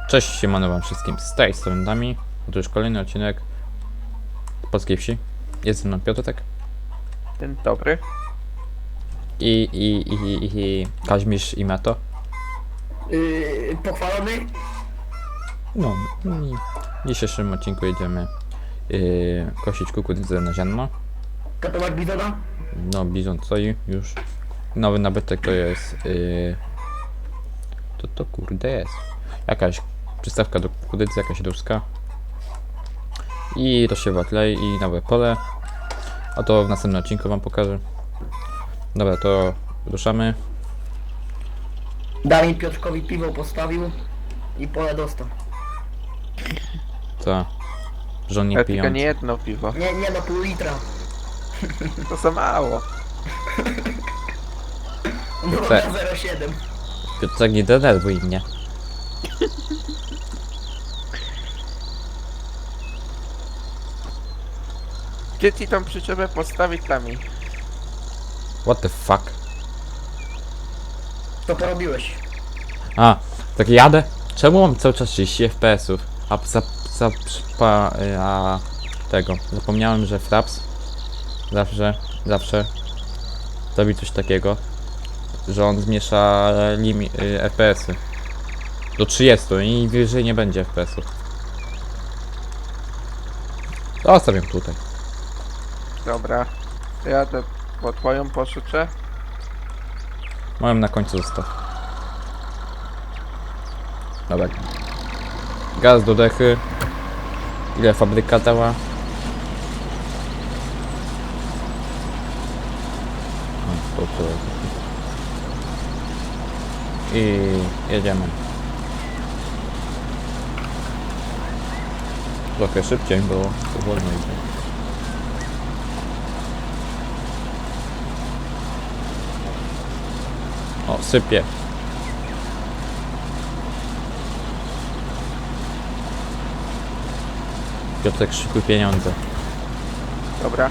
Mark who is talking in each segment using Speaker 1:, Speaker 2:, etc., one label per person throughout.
Speaker 1: Cześć, siemano wam wszystkim, z tej strony Dami. Otóż kolejny odcinek Polskiej Wsi. Jest ze mną Piotrek
Speaker 2: Dzień dobry.
Speaker 1: i Kaźmisz i Meto.
Speaker 3: Pochwalony?
Speaker 1: No i w dzisiejszym odcinku jedziemy kosić kukurydzę na ziarno.
Speaker 3: Katować bizona?
Speaker 1: No, bizon stoi już. Nowy nabytek to jest to kurde jest jakaś przystawka do kukurydzy, jakaś ruska. I rozsiewa klej i nowe pole. A to w następnym odcinku wam pokażę. Dobra, to ruszamy.
Speaker 3: Dawid Piotrkowi piwo postawił i pole dostał.
Speaker 1: Co? Żon nie
Speaker 2: Ale tylko
Speaker 1: piją.
Speaker 2: nie jedno piwo.
Speaker 3: Nie no, pół litra.
Speaker 2: To za mało.
Speaker 3: No
Speaker 1: Te-
Speaker 3: 0,7.
Speaker 1: Piotrek, nie denerwuj mnie.
Speaker 2: Gdzie ci tą przyczepę postawić tami?
Speaker 1: What the fuck?
Speaker 3: To porobiłeś.
Speaker 1: A, tak jadę. Czemu mam cały czas 30 FPS-ów? A tego. Zapomniałem, że Fraps zawsze robi coś takiego, że on zmniejsza FPS-y do 30 i wyżej nie będzie FPS-ów. Zostawiam tutaj.
Speaker 2: Dobra. To jadę po twoją poszyczę.
Speaker 1: Moją na końcu zostaw. Dobra. Gaz do dechy. Ile fabryka dała? O, to. I jedziemy. Trochę szybciej było, powolno idzie. O, sypie. Piotrek, szykuj pieniądze.
Speaker 2: Dobra.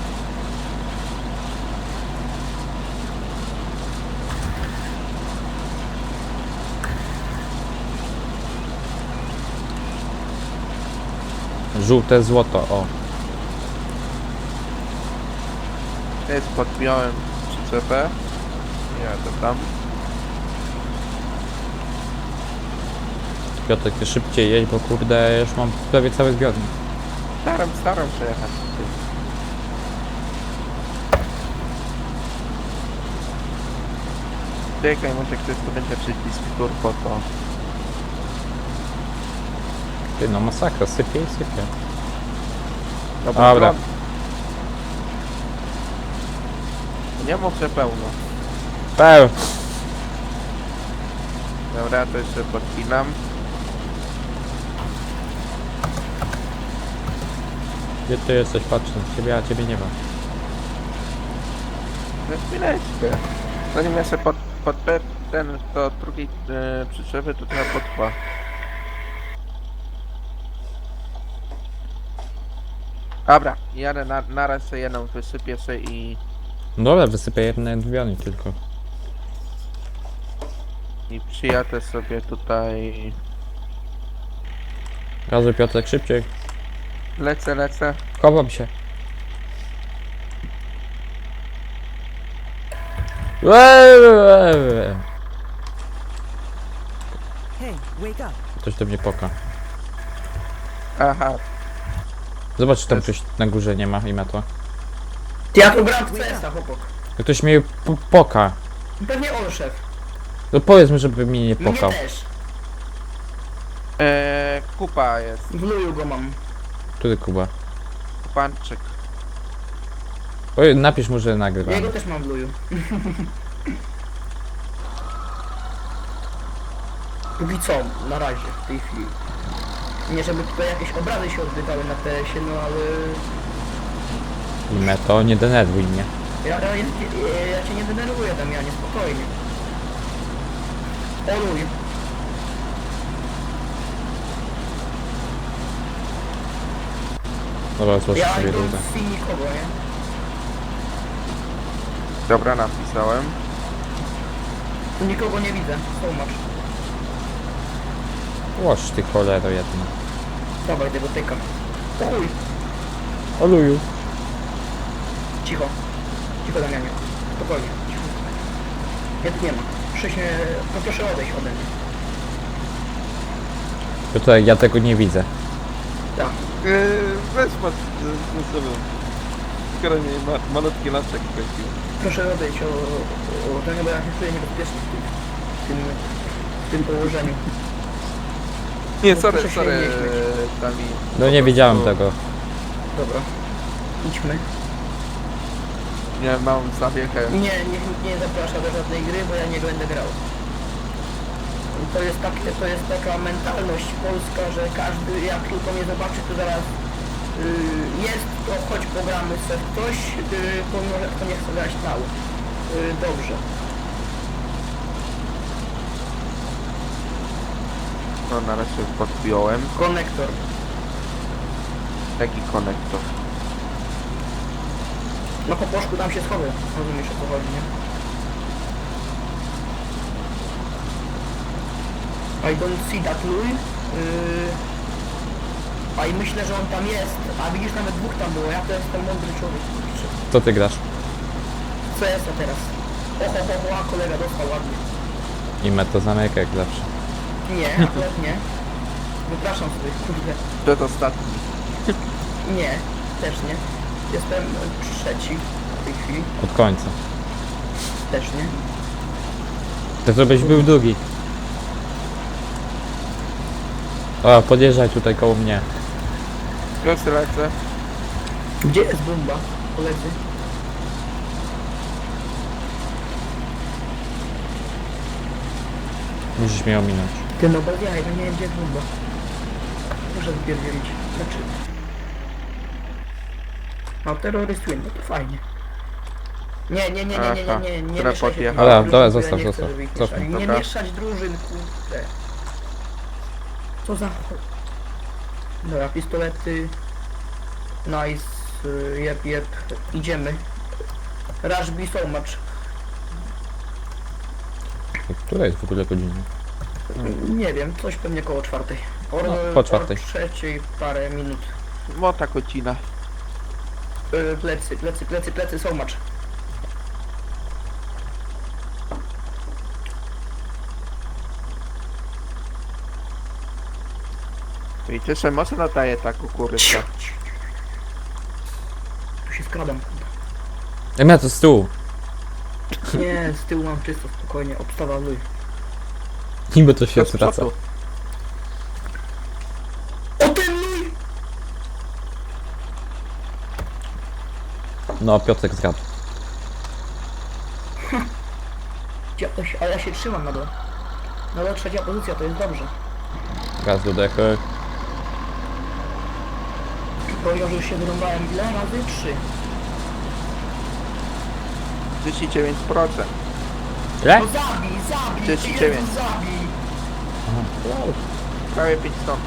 Speaker 1: Żółte złoto, o.
Speaker 2: Jest podpiąłem przyczepę. Jadę tam.
Speaker 1: Piotrek, ty szybciej jedź, bo kurde, już mam prawie cały zbiornik.
Speaker 2: Staram się jechać. Czekaj, może ktoś tu będzie przycisk turbo, to...
Speaker 1: Ty, no masakra, sypie i sypie.
Speaker 2: Dobra.
Speaker 1: Dobra.
Speaker 2: Nie muszę pełno.
Speaker 1: Peł!
Speaker 2: Dobra, to jeszcze podpinam.
Speaker 1: Gdzie ty jesteś? Patrzę na ciebie, a ciebie nie ma.
Speaker 2: Na chwileczkę. Zanim ja sobie podpę ten do drugiej przyczepy, to trochę potrwa. Dobra, jadę na raz sobie jedną wysypię sobie i
Speaker 1: Dobra, wysypię jeden zbiornik tylko.
Speaker 2: przyjadę sobie tutaj.
Speaker 1: Gazuj, Piotrek, szybciej.
Speaker 2: Lecę.
Speaker 1: Chowam się. Hey,
Speaker 4: wake up.
Speaker 1: ktoś do mnie poka.
Speaker 2: Aha,
Speaker 1: Zobacz, czy tam ktoś na górze nie ma i ma to.
Speaker 3: Ty, ja tu gram w CS-a, chłopak.
Speaker 1: Ktoś mnie poka.
Speaker 3: Pewnie on szef.
Speaker 1: No powiedz mi, żeby mnie nie
Speaker 3: Mnie
Speaker 1: pokał.
Speaker 3: też.
Speaker 2: kupa jest.
Speaker 3: W luju go mam.
Speaker 1: Który Kuba?
Speaker 2: Kupanczyk.
Speaker 1: Oj, napisz mu, że nagrywam.
Speaker 3: Ja go też mam w luju. Póki co, na razie, w tej chwili. Nie żeby tutaj jakieś obrazy się odbywały na PS-ie, no ale...
Speaker 1: I Meto, nie denerwuj mnie.
Speaker 3: Ja cię nie denerwuję, Damianie, spokojnie. Oluj.
Speaker 1: Dobra, złożę
Speaker 3: Ja
Speaker 1: sobie
Speaker 3: idę
Speaker 1: rudę.
Speaker 3: w nikogo, nie?
Speaker 2: Dobra, napisałem.
Speaker 3: Tu nikogo nie widzę, so much.
Speaker 1: Łoż ty cholero jedna.
Speaker 3: Dawaj tego tyka. Uj,
Speaker 1: Oluju.
Speaker 3: cicho. Cicho Damianie. Spokojnie. Cicho. Ja tu nie ma. No proszę odejść ode mnie.
Speaker 1: Tutaj ja tego nie widzę.
Speaker 3: Tak.
Speaker 2: Weź pod sobie. Skoro nie malutki lasek kręcił.
Speaker 3: Proszę odejść o ten, bo ja się czuję niebezpiecznie w tym położeniu.
Speaker 2: Nie,
Speaker 3: No,
Speaker 2: sorry,
Speaker 3: proszę się
Speaker 2: sorry,
Speaker 3: nie śmiać.
Speaker 2: Tami.
Speaker 1: No nie widziałem tego.
Speaker 3: Dobra. Idźmy.
Speaker 2: Nie mam zawiechę.
Speaker 3: Nie zaprasza do żadnej gry, bo ja nie będę grał. To jest taka mentalność polska, że każdy jak tylko mnie zobaczy, to zaraz jest, to chodź pogramy sobie w coś, pomimo że kto nie chce grać nał. Dobrze.
Speaker 2: No na razie podpiąłem.
Speaker 3: Konektor.
Speaker 2: Taki konektor.
Speaker 3: No po poszku tam się schowę. Rozumiesz o co chodzi, nie? I don't see that Louis. A i myślę, że on tam jest. A widzisz, nawet dwóch tam było. Ja to jestem mądry człowiek.
Speaker 1: Co ty grasz?
Speaker 3: Co jest to teraz? Oho, a kolega dostał ładnie.
Speaker 1: I to zamyka jak zawsze.
Speaker 3: Nie, akurat nie. Wypraszam sobie, kurde.
Speaker 2: Przedostatni.
Speaker 3: Nie, też nie. Jestem trzeci w tej chwili.
Speaker 1: Od końca.
Speaker 3: Też nie.
Speaker 1: To żebyś był drugi. O, podjeżdżaj tutaj koło mnie.
Speaker 2: Już lecę.
Speaker 3: Gdzie jest bomba, koledzy?
Speaker 1: Musisz mnie ominąć.
Speaker 3: Ty no bez jaj, no nie wiem gdzie jest bomba. Muszę wypierdzielić. Znaczy... No terroryst win, no to fajnie. Nie
Speaker 2: Która
Speaker 3: mieszaj się
Speaker 2: podjechała.
Speaker 3: drużyn,
Speaker 1: Dobra,
Speaker 3: bo
Speaker 1: zostaw,
Speaker 3: ja nie chcę,
Speaker 1: zostaw.
Speaker 3: żeby ich
Speaker 1: Cofnij.
Speaker 3: mieszali. Nie
Speaker 2: Dobra.
Speaker 3: mieszać drużyn, kurde. Co za... Dobra, pistolety. Nice, jep, idziemy. Rush be so much.
Speaker 1: Która jest w ogóle godzina?
Speaker 3: Nie wiem, coś pewnie koło czwartej.
Speaker 1: No, po czwartej.
Speaker 3: Trzeciej parę minut.
Speaker 2: Mota kocina.
Speaker 3: Plecy, so much.
Speaker 2: I cieszę, mocno nadaje ta kukurydza.
Speaker 3: Tu się skradam, kurde.
Speaker 1: Ja to z tyłu.
Speaker 3: Nie, z tyłu mam czysto, spokojnie, obstawa luj.
Speaker 1: Niby to się
Speaker 2: To z
Speaker 1: zwraca.
Speaker 2: przodu.
Speaker 3: O ten luj!
Speaker 1: No, Piotrek zgadł.
Speaker 3: Ale ja się trzymam na dole. Na dole trzecia pozycja, to jest dobrze.
Speaker 1: Gaz do dechy.
Speaker 3: Powiedział, że już się wyrąbałem ile razy? 3.
Speaker 2: 39%.
Speaker 1: Ile?
Speaker 3: No zabij!
Speaker 2: 39.
Speaker 3: Jezu, zabij!
Speaker 2: Prawie 5 ton.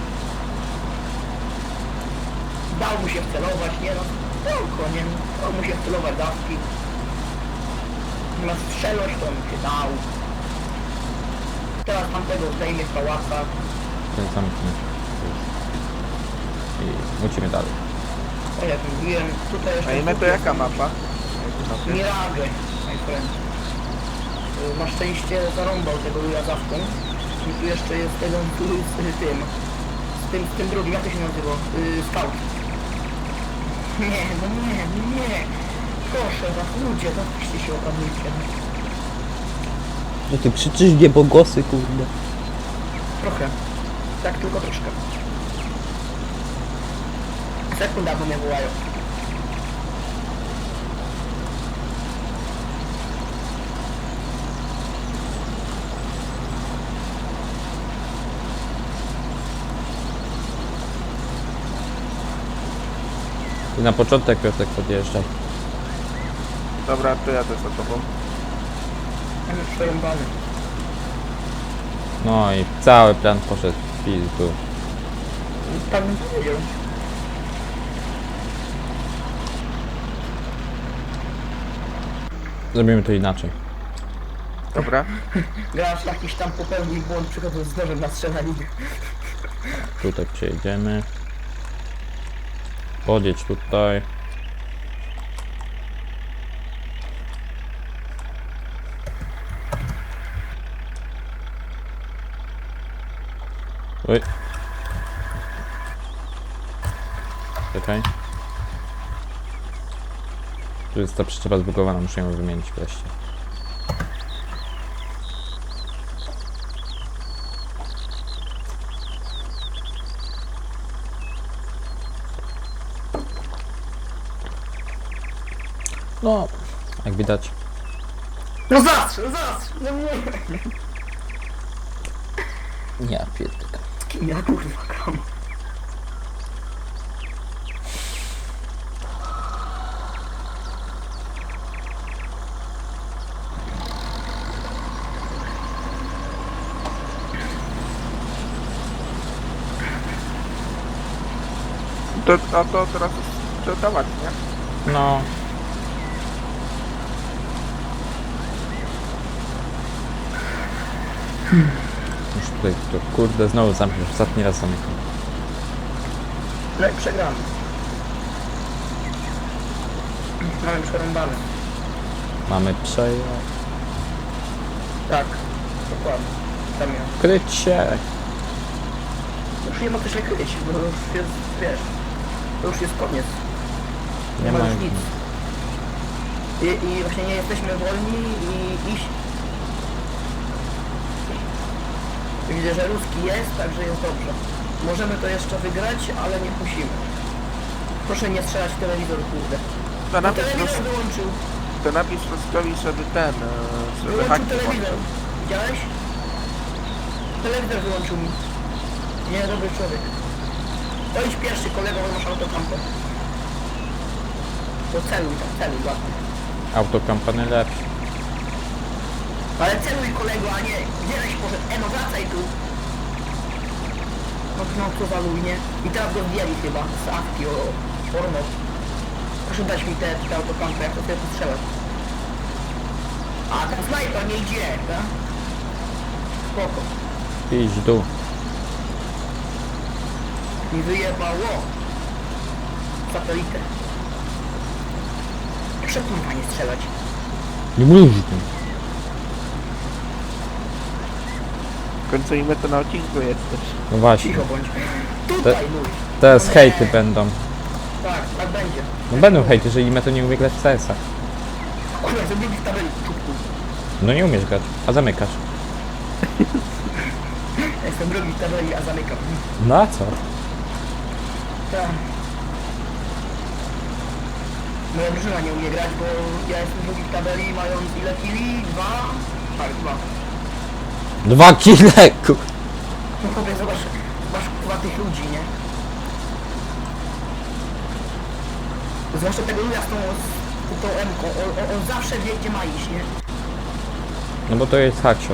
Speaker 3: Dał mu się wcelować, nie no. Spoko, nie no. Dał mu się wcelować dawki. Na strzelość to mu się dał. Teraz tamtego zdejmie z pałaca.
Speaker 1: Ten sam i lecimy dalej.
Speaker 3: O jak mówiłem, tutaj jeszcze...
Speaker 2: A imię to jaka mapa?
Speaker 3: Mirage, my friend. Na szczęście zarąbał tego Luja zawką. I tu jeszcze jest tego z tym drugim, jak to się nazywa? Scout. Nie, no nie. Proszę was, ludzie, zapiszcie się opanujcie.
Speaker 1: No ty krzyczysz niebogłosy, kurde.
Speaker 3: Trochę. Tak, tylko troszkę. Sekunda, bo mnie wołają.
Speaker 1: I na początek Piotrek podjeżdżaj.
Speaker 2: Dobra, to jadę za tobą.
Speaker 3: Mam już przerąbany.
Speaker 1: No i cały plan poszedł w pizdu.
Speaker 3: Tak bym powiedział.
Speaker 1: Zrobimy to inaczej.
Speaker 2: Dobra.
Speaker 3: Gracz jakiś tam popełnił błąd, przychodząc z nożem na strzelaninę.
Speaker 1: Tutaj przejedziemy. Podjedź tutaj. Oj. Czekaj. Tu jest ta przyczepa zbugowana, muszę ją wymienić wreszcie. No, jak widać.
Speaker 3: No zastrz, no nie.
Speaker 1: Ja pierdolę.
Speaker 3: Kim ja kurwa gram?
Speaker 2: A to teraz sprzedawać, nie?
Speaker 1: No. Już tutaj to kurde znowu zamkniesz, ostatni raz zamykam.
Speaker 3: No i przegramy. Mamy przerąbane.
Speaker 1: Mamy przejazd.
Speaker 3: Tak, dokładnie. Tam ja.
Speaker 1: Kryć się!
Speaker 3: Już nie ma co się kryć, bo już jest, wiesz, to już jest koniec. Nie ma już nic. I właśnie nie jesteśmy wolni i iść. Widzę, że ruski jest, także jest dobrze. Możemy to jeszcze wygrać, ale nie musimy. Proszę nie strzelać w telewizor, kurde.
Speaker 2: To
Speaker 3: No
Speaker 2: napisz,
Speaker 3: telewizor wyłączył.
Speaker 2: to napisz Ruskowi, żeby ten, żeby
Speaker 3: Wyłączył
Speaker 2: haki
Speaker 3: telewizor.
Speaker 2: włączył.
Speaker 3: Widziałeś? Telewizor wyłączył mi. Nie, dobry człowiek. To idź pierwszy, kolego, bo masz autokampę. To celuj, tak, celuj, ładnie.
Speaker 1: Autokampany lepsze.
Speaker 3: Ale celuj, kolego, a nie, gdzie żeś poszedł? No wracaj tu. No co za luj, nie? I teraz go zdjęli chyba z awki o porno. Proszę dać mi te autokampy, jak to sobie postrzelać. A ten snajper nie idzie, tak? Spoko.
Speaker 1: Idź w dół.
Speaker 3: Mi wyjebało. Satelitę. Proszę kurwa nie strzelać.
Speaker 1: Nie mówisz tym.
Speaker 2: W końcu im to na odcinku jesteś.
Speaker 1: No właśnie.
Speaker 3: Cicho bądź. Tutaj luj.
Speaker 1: Teraz
Speaker 3: No nie.
Speaker 1: hejty będą.
Speaker 3: Tak, tak będzie.
Speaker 1: No będą hejty, jeżeli me to nie umie grać w CS-a.
Speaker 3: Kurwa, zrobili w tabeli czubku.
Speaker 1: No nie umiesz grać, a zamykasz.
Speaker 3: Ja jestem drugi w tabeli, a zamykam.
Speaker 1: No a co?
Speaker 3: Tak. Moja drużyna nie umie grać, bo ja jestem drugi w tabeli, mając ile kili? 2? Tak, 2.
Speaker 1: 2 kile, kur...
Speaker 3: No chłopie, zobacz kurwa tych ludzi, nie? Zwłaszcza tego luja z tą M-ką, on zawsze wie gdzie ma iść, nie?
Speaker 1: No bo to jest hackshot.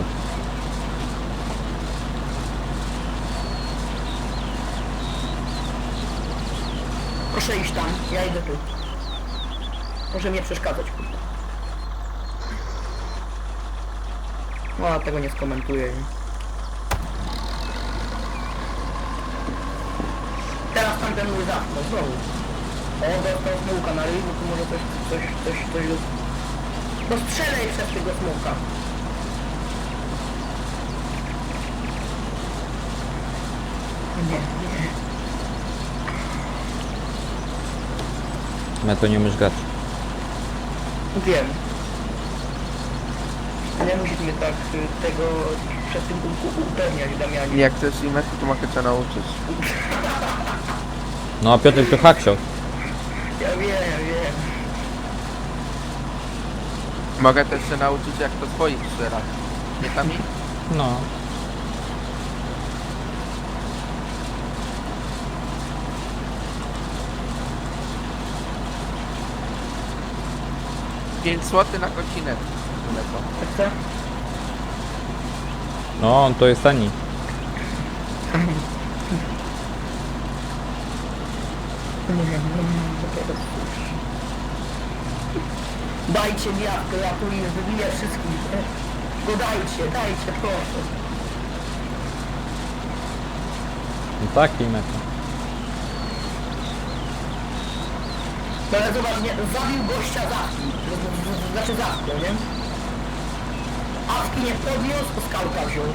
Speaker 3: Proszę iść tam, ja idę tu. Proszę mnie przeszkadzać, kurwa. No, a tego nie skomentuję. Nie? Teraz tamten mój zamknął, znowu. O, dostał smołka na ryj, no to może coś... No strzelaj przez tego smołka. Nie, nie.
Speaker 1: Me to nie umiesz grać.
Speaker 3: Wiem. Nie musisz mnie tak tego przed tym upewniać, Damianie.
Speaker 2: Jak chcesz im to mogę cię nauczyć.
Speaker 1: No a Piotr to hackshot.
Speaker 3: Ja wiem.
Speaker 2: Mogę też się nauczyć jak to swoich strzelać. Nie tam ich?
Speaker 1: No.
Speaker 2: $5 zł na godzinę. Kolego.
Speaker 3: Tak co?
Speaker 1: No, on to jest tani.
Speaker 3: Nie wiem, dajcie mi jawkę, ja tu już wybiję wszystkich, nie? Go dajcie, proszę.
Speaker 1: No taki meta.
Speaker 3: No ale zobacz, nie, zabił gościa z awki. Znaczy z awką, nie? Awki nie podniósł, to skałka wziął.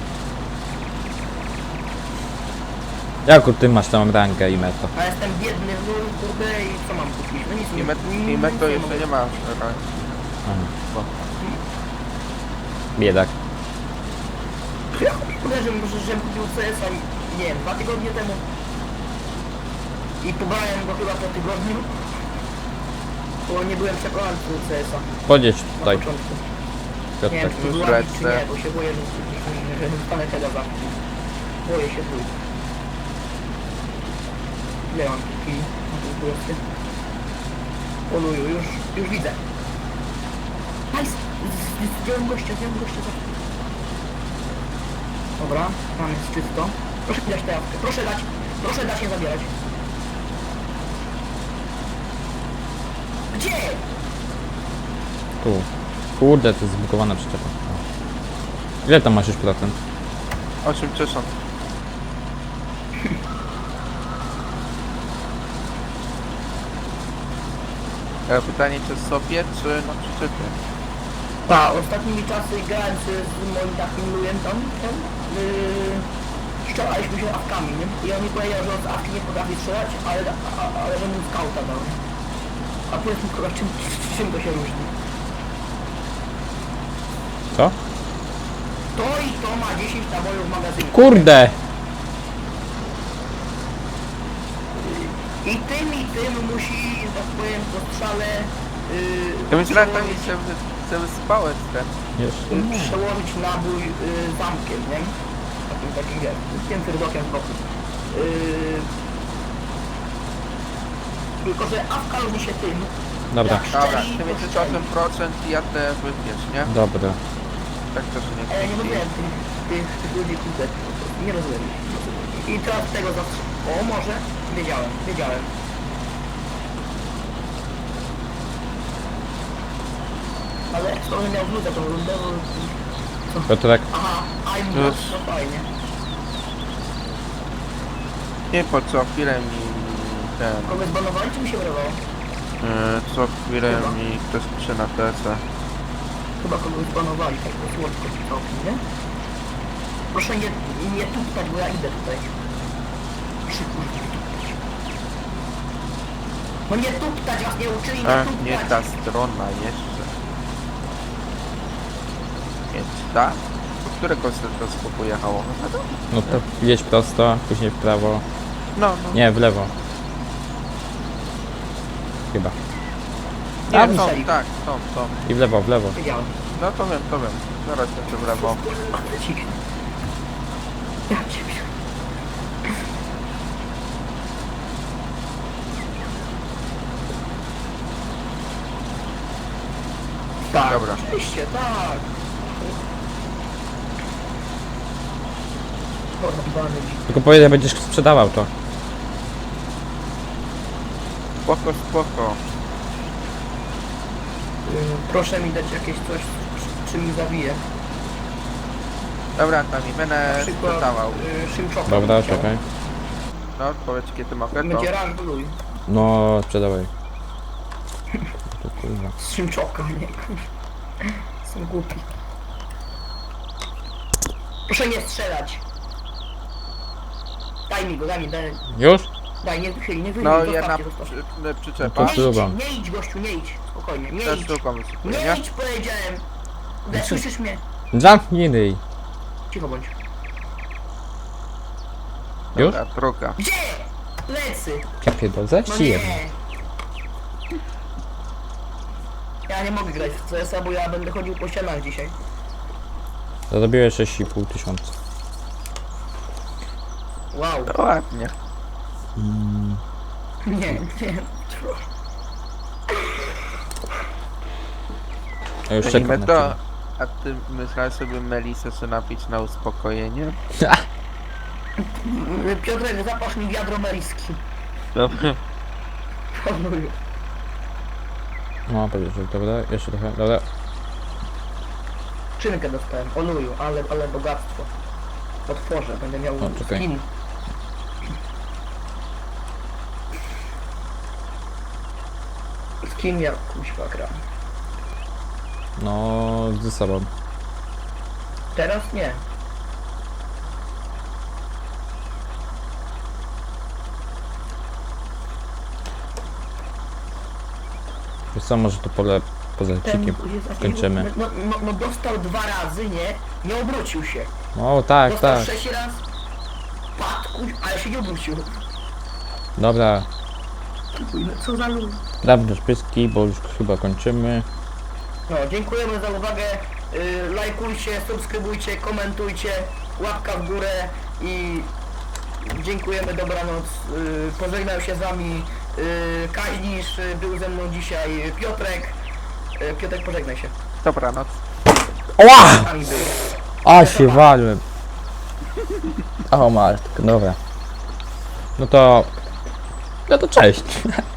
Speaker 1: Jaką ty masz tam rangę i metę?
Speaker 3: A jestem biedny w nul, kurde, i co mam kupić? No nic
Speaker 2: I met to jeszcze
Speaker 3: mogę.
Speaker 2: nie ma. Bo
Speaker 1: Biedak.
Speaker 3: Ja kurde, żebym kupił CS-a, nie wiem, 2 tygodnie temu. I pobrałem go chyba po tygodniu. Bo nie byłem przekonany co do CS-a
Speaker 1: Podjedź
Speaker 3: na
Speaker 1: tutaj,
Speaker 3: początku. Nie wiem,
Speaker 1: Piotrek.
Speaker 3: czy to była czy nie, bo się boję, że dostanę tego za. Boję się tu. Ile mam chwili na tym kursie? Poluju, już widzę. Nice! Zdjąłem gościa za. Dobra, tam jest czysto. Proszę mi dać tę jawkę, proszę dać nie zabierać. Gdzie?
Speaker 1: Tu. Kurde, to jest zbugowana przyczepa. Ile tam masz już procent?
Speaker 2: 80. Pytanie czy sobie, czy na przyczepie?
Speaker 3: Tak, ostatnimi czasy grałem z moim takim lujem tam, strzelaliśmy się awkami, nie? I on mi powiedział, że on z awki nie potrafi strzelać, ale że mu skauta dał. A powiedz mi kurwa, czym to się różni?
Speaker 1: Co?
Speaker 3: To i to ma 10 nabojów w magazynie.
Speaker 1: Kurde!
Speaker 3: I tym musi, że tak powiem, po strzale
Speaker 2: Ja myślałem, że tam się wyspałeś ten.
Speaker 1: Jeszcze nie.
Speaker 3: przełożyć nabój zamkiem, nie? Takim wiesz, tym fyrdokiem w boku. Tylko, że awka różni się tym.
Speaker 1: Dobra,
Speaker 3: jak
Speaker 2: Dobra,
Speaker 3: szczeli,
Speaker 2: ty
Speaker 3: to
Speaker 2: między
Speaker 3: szczeli.
Speaker 2: 8% i ja te wypiesz, nie?
Speaker 1: dobra.
Speaker 2: Tak też nie
Speaker 3: A ja nie rozumiem tych ludzi kurde. Nie rozumiem. I teraz tego zawsze. O, może? Wiedziałem. Ale skoro miał wrócę tą rundę, bo...
Speaker 1: Piotrek,
Speaker 3: Aha, I'm
Speaker 2: Już.
Speaker 3: no fajnie.
Speaker 2: Nie, po co chwilę mi ten...
Speaker 3: Kogoś zbanowali, czy mi się wydawało?
Speaker 2: Co chwilę
Speaker 3: Chyba.
Speaker 2: mi ktoś pisze na TS.
Speaker 3: Chyba kogoś zbanowali, tak to słodko ci całkiem, nie? Proszę nie tuptać, bo ja idę tutaj. Proszę kurwa nie tuptać. No nie tuptać, was nie uczyli nie tuptać.
Speaker 2: Nie ta strona jeszcze. Więc ta? Do którego stetoskopu pojechało?
Speaker 1: no to jedź prosto, później w prawo.
Speaker 2: No.
Speaker 1: Nie, w lewo. Chyba.
Speaker 2: Nie,
Speaker 3: A,
Speaker 2: tą,
Speaker 3: strzelił.
Speaker 2: tak, tą.
Speaker 1: I w lewo, w lewo.
Speaker 3: Wiedziałem.
Speaker 2: No to wiem. Zaraz jeszcze w lewo.
Speaker 3: Ja ciebie. Tak,
Speaker 2: Dobra.
Speaker 3: oczywiście, tak. Porwany dzik.
Speaker 1: Tylko powiedz, że będziesz sprzedawał to.
Speaker 2: Spoko.
Speaker 3: Proszę mi dać jakieś coś, czym mi zawije.
Speaker 2: Dobra, tam i
Speaker 3: Na
Speaker 2: będę
Speaker 3: przykład
Speaker 2: sprzedawał.
Speaker 3: szymczoka.
Speaker 1: Dobra,
Speaker 3: bym chciał.
Speaker 1: czekaj.
Speaker 2: No, powiedz kiedy mogę to.
Speaker 3: Będzie raz bluj.
Speaker 1: No, sprzedawaj. To kurwa.
Speaker 3: Z szymczoka, nie kurwa. Są głupi. Proszę nie strzelać. Daj mi go, daj.
Speaker 1: Już?
Speaker 3: Daj, nie wychyli, nie wychyli.
Speaker 2: No,
Speaker 3: zostawcie,
Speaker 2: jedna
Speaker 3: zostawcie.
Speaker 2: przyczepa.
Speaker 1: No to śruba.
Speaker 3: Nie idź gościu, nie idź. Spokojnie, nie
Speaker 2: Też
Speaker 3: idź.
Speaker 2: sztuką wysypuję,
Speaker 3: Nie
Speaker 2: nie?
Speaker 3: idź, powiedziałem.
Speaker 1: Znaczy-
Speaker 3: Słyszysz mnie?
Speaker 1: Zamknij ryj.
Speaker 3: Cicho bądź.
Speaker 1: Już?
Speaker 2: Dobra, druga.
Speaker 3: Gdzie? Lecy.
Speaker 1: Ja pierdolę, zaś
Speaker 3: No
Speaker 1: ci
Speaker 3: nie.
Speaker 1: jedno.
Speaker 3: Ja nie mogę grać w CS-a, bo ja będę chodził po ścianach dzisiaj.
Speaker 1: Zarobiłeś 6,5 tysiąca.
Speaker 3: Wow.
Speaker 2: To ładnie.
Speaker 3: Nie.
Speaker 1: Ja już
Speaker 2: Cenimy
Speaker 1: czekam na
Speaker 2: to.
Speaker 1: ciebie.
Speaker 2: A ty myślałeś sobie Melisę sobie napić na uspokojenie?
Speaker 3: Piotrek, zapasz mi wiadro meliski.
Speaker 2: Dobra.
Speaker 3: Szanuję.
Speaker 1: No, powiedzieć, że dobra, jeszcze trochę, dobra.
Speaker 3: Czynkę dostałem, oluju, ale bogactwo. Otworzę, będę miał
Speaker 1: O, czekaj.
Speaker 3: skin. kim ja kuźwa gram?
Speaker 1: No, ze sobą.
Speaker 3: Teraz nie.
Speaker 1: Wiesz co, może to poza odcinkiem kończymy.
Speaker 3: No dostał 2 razy, nie obrócił się.
Speaker 1: O, tak,
Speaker 3: Dostał
Speaker 1: tak.
Speaker 3: 6 raz, padł, ale się nie obrócił.
Speaker 1: Dobra,
Speaker 3: No co za lud.
Speaker 1: prawdaż pyski, bo już chyba kończymy.
Speaker 3: No, dziękujemy za uwagę. Lajkujcie, subskrybujcie, komentujcie, łapka w górę i dziękujemy, dobranoc. Pożegnał się z wami Kaźnisz, był ze mną dzisiaj Piotrek. Piotrek, pożegnaj się.
Speaker 2: Dobranoc.
Speaker 1: Oła!
Speaker 3: Z nami był.
Speaker 1: A się walłem. O matko, dobra. No to cześć.